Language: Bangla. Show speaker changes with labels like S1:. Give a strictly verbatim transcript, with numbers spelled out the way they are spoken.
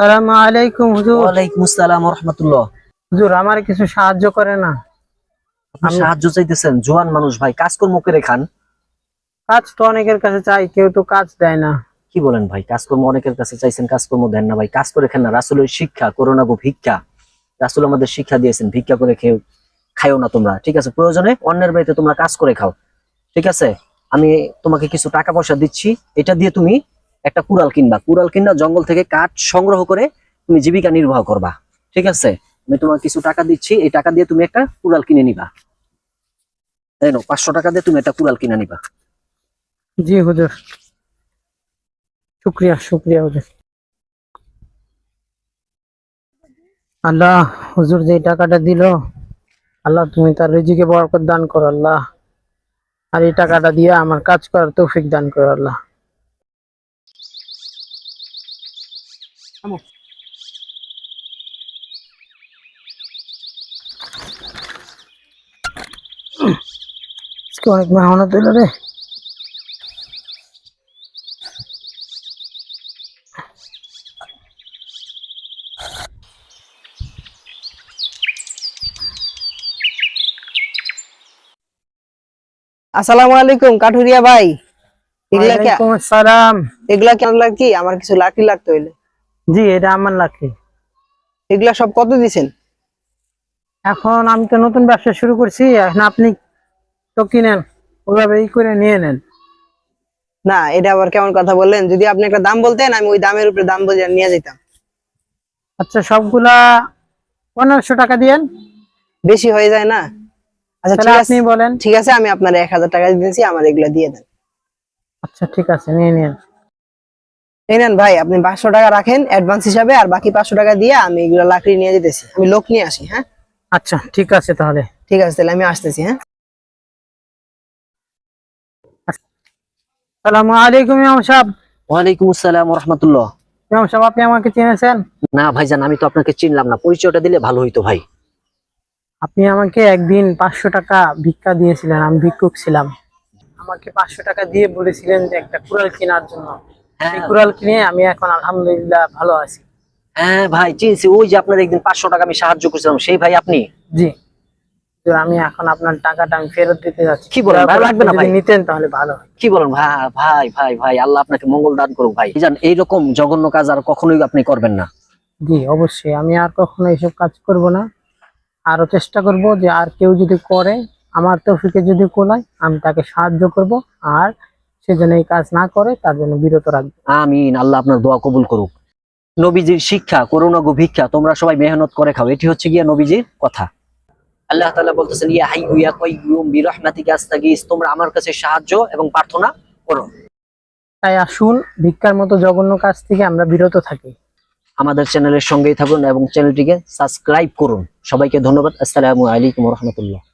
S1: আসসালামু আলাইকুম হুজুর।
S2: ওয়ালাইকুম আসসালাম ওয়া রাহমাতুল্লাহ।
S1: হুজুর আমার কিছু সাহায্য করে না।
S2: আপনি
S1: আমি
S2: সাহায্য চাইতেছেন? জোয়ান মানুষ ভাই, কাজকর্ম করে খান।
S1: কাজ তো অনেকের কাছে চাই, কেউ তো কাজ দেয় না।
S2: কি বলেন ভাই? কাজকর্ম অনেকের কাছে চাইছেন, কাজকর্ম দেন না ভাই। কাজ করে খান না। রাসূলের শিক্ষা করো না গো ভিক্ষা। রাসূল আমাদের শিক্ষা দিয়েছেন ভিক্ষা করে খেও খাইও না তোমরা, ঠিক আছে? প্রয়োজনে অন্যের বাড়িতে তোমরা কাজ করে খাও, ঠিক আছে? আমি তোমাকে কিছু টাকা পয়সা দিচ্ছি, এটা দিয়ে তুমি একটা কুড়াল কিনবা। কুড়াল কিনবা, জঙ্গল থেকে কাঠ সংগ্রহ করে তুমি জীবিকা নির্বাহ করবা, ঠিক আছে? আমি তোমাকে কিছু টাকা দিচ্ছি, এই টাকা দিয়ে তুমি একটা কুড়াল কিনে নিবা। তাই না? পাঁচশো টাকা দিয়ে তুমি একটা কুড়াল কিনে নিবা।
S1: জি হুজুর, শুক্রিয়া শুক্রিয়া হুজুর। আল্লাহ, হুজুর যে টাকাটা দিল, আল্লাহ তুমি তার রিজিকে বরকত দান করো আল্লাহ। আর এই টাকাটা দিয়ে আমার কাজ করার তৌফিক দান করো আল্লাহ। আজকে অনেক মেহনত হইল রে।
S3: আসসালামু আলাইকুম কাঠুরিয়া ভাই। এগুলা কি
S1: ওয়ালাইকুম আসসালাম।
S3: এগুলা কেন লাগি? আমার কিছু লাঠি লাগতো হইলে।
S1: জি, এটা আমার লাকি।
S3: এগুলা সব কত দিছেন?
S1: এখন আমি তো নতুন ব্যবসা শুরু করছি, এখন আপনি তো কিনেন, ওইভাবে ই করে নিয়ে নেন।
S3: না, এটা আবার কেমন কথা বললেন? যদি আপনি একটা দাম বলতেন আমি ওই দামের উপরে দাম বলে নিয়ে যেতাম।
S1: আচ্ছা, সবগুলা পনেরোশো টাকা দিয়েন।
S3: বেশি হয়ে যায় না? আচ্ছা
S1: তাহলে
S3: ঠিক
S1: আপনি
S3: আছে,
S1: বলেন।
S3: ঠিক আছে, আমি আপনার এক হাজার টাকা দিয়েছি, আমার এগুলা দিয়ে দেন।
S1: আচ্ছা ঠিক আছে, নিয়ে নিন।
S3: এই নেন ভাই, আপনি পাঁচশো টাকা রাখেন অ্যাডভান্স হিসাবে, আর বাকি পাঁচশো টাকা দিয়ে আমি এগুলা লাকড়ি নিয়ে যেতেছি। আমি লোক নিয়ে আসি। হ্যাঁ
S1: আচ্ছা ঠিক আছে তাহলে।
S3: ঠিক আছে, তাহলে আমি আসতেছি। হ্যাঁ
S1: আসসালামু আলাইকুম ইমাম সাহেব।
S2: ওয়ালাইকুম আসসালাম ওয়া রাহমাতুল্লাহ।
S1: ইমাম সাহেব, আপনি আমাকে চিনেছেন?
S2: না ভাইজান, আমি তো আপনাকে চিনলাম না, পরিচয়টা দিলে ভালো হইতো ভাই।
S1: আপনি আমাকে একদিন পাঁচশো টাকা ভিক্ষা দিয়েছিলেন, আমি ভিক্ষুক ছিলাম। আমাকে পাঁচশো টাকা দিয়ে বলেছিলেন যে একটা কুড়াল কেনার জন্য।
S2: হ্যাঁ
S1: এই কুড়াল কিনে আমি এখন আলহামদুলিল্লাহ ভালো আছি।
S2: হ্যাঁ ভাই, চিনছি। ওই যে আপনার একদিন পাঁচশো টাকা আমি সাহায্য করছিলাম, সেই ভাই আপনি?
S1: জি, তো আমি এখন আপনার টাকাটা আমি ফেরত দিতে যাচ্ছি।
S2: কি বলেন ভাই? লাগবে না
S1: যদি
S2: ভাই।
S1: নিতেন তাহলে ভালো হয়।
S2: কি বলেন ভাই? ভাই ভাই ভাই, আল্লাহ আপনাকে মঙ্গল দান করুক ভাই। জান, এইরকম জঘন্য কাজ আর কখনোই আপনি করবেন না।
S1: জি অবশ্যই, আমি আর কখনো এইসব কাজ করব না। আরো চেষ্টা করব যে আর কেউ যদি করে, আমার তৌফিকে যদি কোলায়, আমি তাকে সাহায্য করব। আর সে যেন এই কাজ না করে, তার জন্য বিরত রাখবো।
S2: আমিন। আল্লাহ আপনার দোয়া কবুল করুক। নবীজির শিক্ষা করো না গো ভিক্ষা, তোমরা সবাই মেহনত করে খাও, এটি হচ্ছে গিয়া নবীজির কথা। আল্লাহ তাআলা বলতেছেন, ইয়া হাইয়্যু ইয়া কাইয়্যুম বিরহমাতিকা আস্তাগীস, তোমরা আমার কাছে সাহায্য এবং প্রার্থনা করো।
S1: তাই আসুন, ভিক্ষার মতো জঘন্য কাজ থেকে আমরা বিরত থাকি।
S2: আমাদের চ্যানেলের সঙ্গেই থাকুন এবং চ্যানেলটিকে সাবস্ক্রাইব করুন। সবাইকে ধন্যবাদ। আসসালামু আলাইকুম ওয়া রাহমাতুল্লাহ।